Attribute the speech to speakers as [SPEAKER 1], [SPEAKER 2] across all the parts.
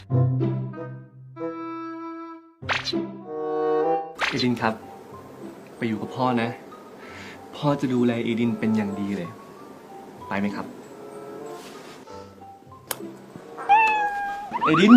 [SPEAKER 1] เอดินครับ ไปอยู่กับพ่อนะ พ่อจะดูแลเอดินเป็นอย่างดีเลย ไปไหมครับ เอดิน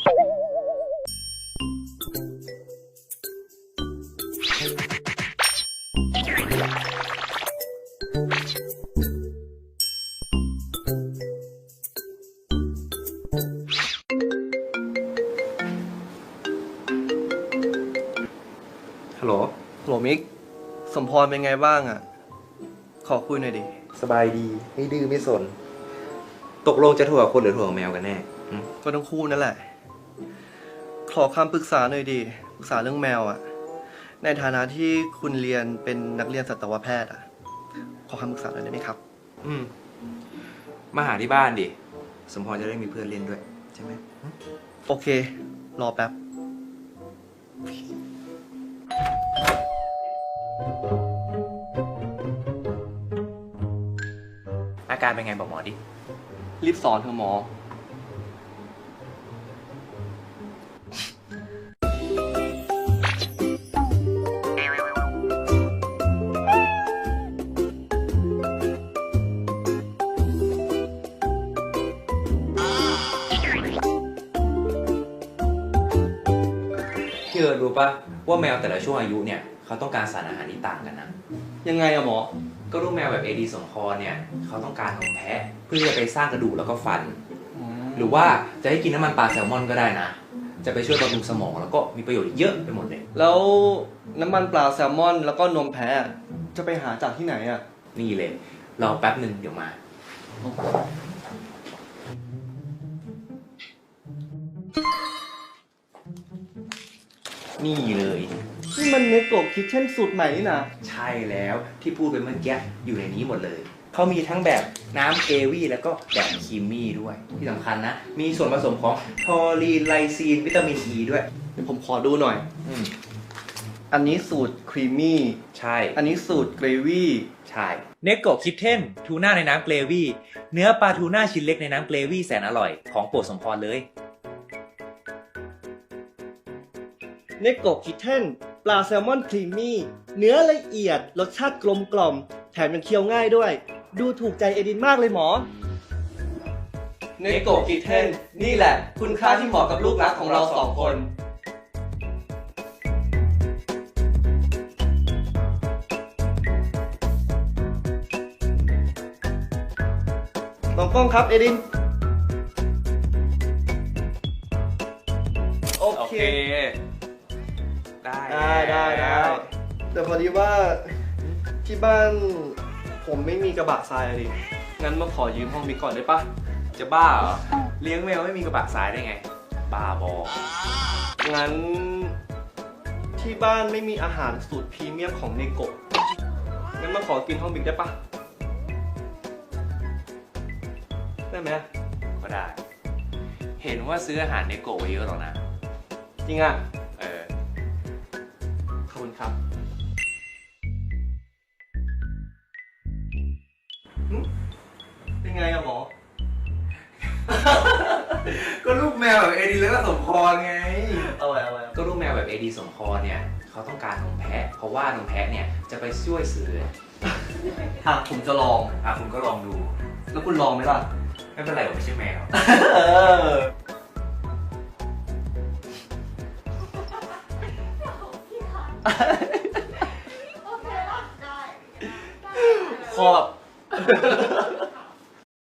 [SPEAKER 2] ฮัลโหล
[SPEAKER 1] โหลมิก สมพรเป็นไงบ้างอ่ะ ขอคุยหน่อยดิ
[SPEAKER 2] สบายดี ไม่ดื้อไม่สน ตกลงจะโทรกับคนหรือโทรกับแมวกันแน่
[SPEAKER 1] ก็ทั้งคู่นั่นแหละ ขอคำปรึกษาหน่อยดิ ปรึกษาเรื่องแมวอ่ะ ในฐานะที่คุณเรียนเป็นนักเรียนสัตวแพทย์อ่ะ ขอคำปรึกษาหน่อยได้ไหมครับ
[SPEAKER 2] มาหาที่บ้านดิ สมพรจะได้มีเพื่อนเล่นด้วย ใช่ไหม
[SPEAKER 1] โอเค รอแป๊บ
[SPEAKER 2] อาการเป็นไงบอกหมอดิ
[SPEAKER 1] รีบสอนเถอะหมอ
[SPEAKER 2] พี่รู้ปะว่าแมวแต่ละช่วงอายุเนี่ยเขาต้องการสารอาหารที่ต่างกันนะ
[SPEAKER 1] ยังไงอะหมอ
[SPEAKER 2] ก็ลูกแมวแบบเอดีสมพรเนี่ยเขาต้องการนมแพะเพื่อจะไปสร้างกระดูกแล้วก็ฟัน หรือว่าจะให้กินน้ำมันปลาแซลมอนก็ได้นะ จะไปช่วยบำรุงสมองแล้วก็มีประโยชน์เยอะไปหมดเลย
[SPEAKER 1] แล้วน้ำมันปลาแซลมอน แล้วก็นมแพะจะไปหาจากที่ไหนอะ
[SPEAKER 2] นี่เลยรอแป๊บหนึ่งเดี๋ยวมา นี่เลย
[SPEAKER 1] นี่มันเนโกะคิทเช่นสูตรใหม่นี่นะ
[SPEAKER 2] ใช่แล้วที่พูดไปเมื่อกี้อยู่ในนี้หมดเลย เขามีทั้งแบบน้ำเกวี่แล้วก็แบบครีมมี่ด้วย ที่สำคัญนะ มีส่วนผสมของทอรีนไลซีนวิตามินอ e ีด้วย
[SPEAKER 1] เดี๋ยวผมขอดูหน่อย อันนี้สูตรครีมมี่
[SPEAKER 2] ใช่
[SPEAKER 1] อันนี้สูตรเกรวี่
[SPEAKER 2] ใช่เนโกะคิทเทนทูน่าในน้ำเกรวี่เนื้อปลาทูน่าชิ้นเล็กในน้ำเกรวี่แสนอร่อยของโปรดสมพรเลย
[SPEAKER 1] เนโกะคิทเช่นปลาแซลมอนครีมมี่ เนื้อละเอียด รสชาติกลมกล่อม แถมยังเคี้ยวง่ายด้วย ดูถูกใจเอดินมากเลยหมอ เนโกะคิทเช่นนี่แหละ คุณค่าที่เหมาะกับลูกรักของเราสองคน ลองกล้องครับเอดิน โอเค ได้แต่พอดีว่าที่บ้านผมไม่มีกระบะทรายอะดิ งั้นมาขอยืมห้องมิกก่อนได้ปะ
[SPEAKER 2] จะบ้าเหรอเลี้ยงแมวไม่มีกระบะทรายได้ไงบ้าบอ
[SPEAKER 1] งั้นที่บ้านไม่มีอาหารสูตรพรีเมียมของเนโกะ งั้นมาขอกินห้องมิกได้ปะ ได้ไหม
[SPEAKER 2] ก็ได้ เห็นว่าซื้ออาหารเนโกะไว้เยอะหรอกนะ
[SPEAKER 1] จริงอ่ะ ขอบคุณครับ เป็นไงอะหมอ
[SPEAKER 2] ก็ลูกแมวแบบเอดีแล้วก็สมพรไง
[SPEAKER 1] เอาไว้
[SPEAKER 2] ก็ลูกแมวแบบเอดีสมพรเนี่ยเขาต้องการนมแพะ เพราะว่านมแพะเนี่ยจะไปช่วยสื่อ
[SPEAKER 1] ผมจะลอง
[SPEAKER 2] คุณก็ลองดู
[SPEAKER 1] แล้วคุณลองไหมล่ะ
[SPEAKER 2] ไม่เป็นไรผมไม่ใช่แมว
[SPEAKER 1] ขอบ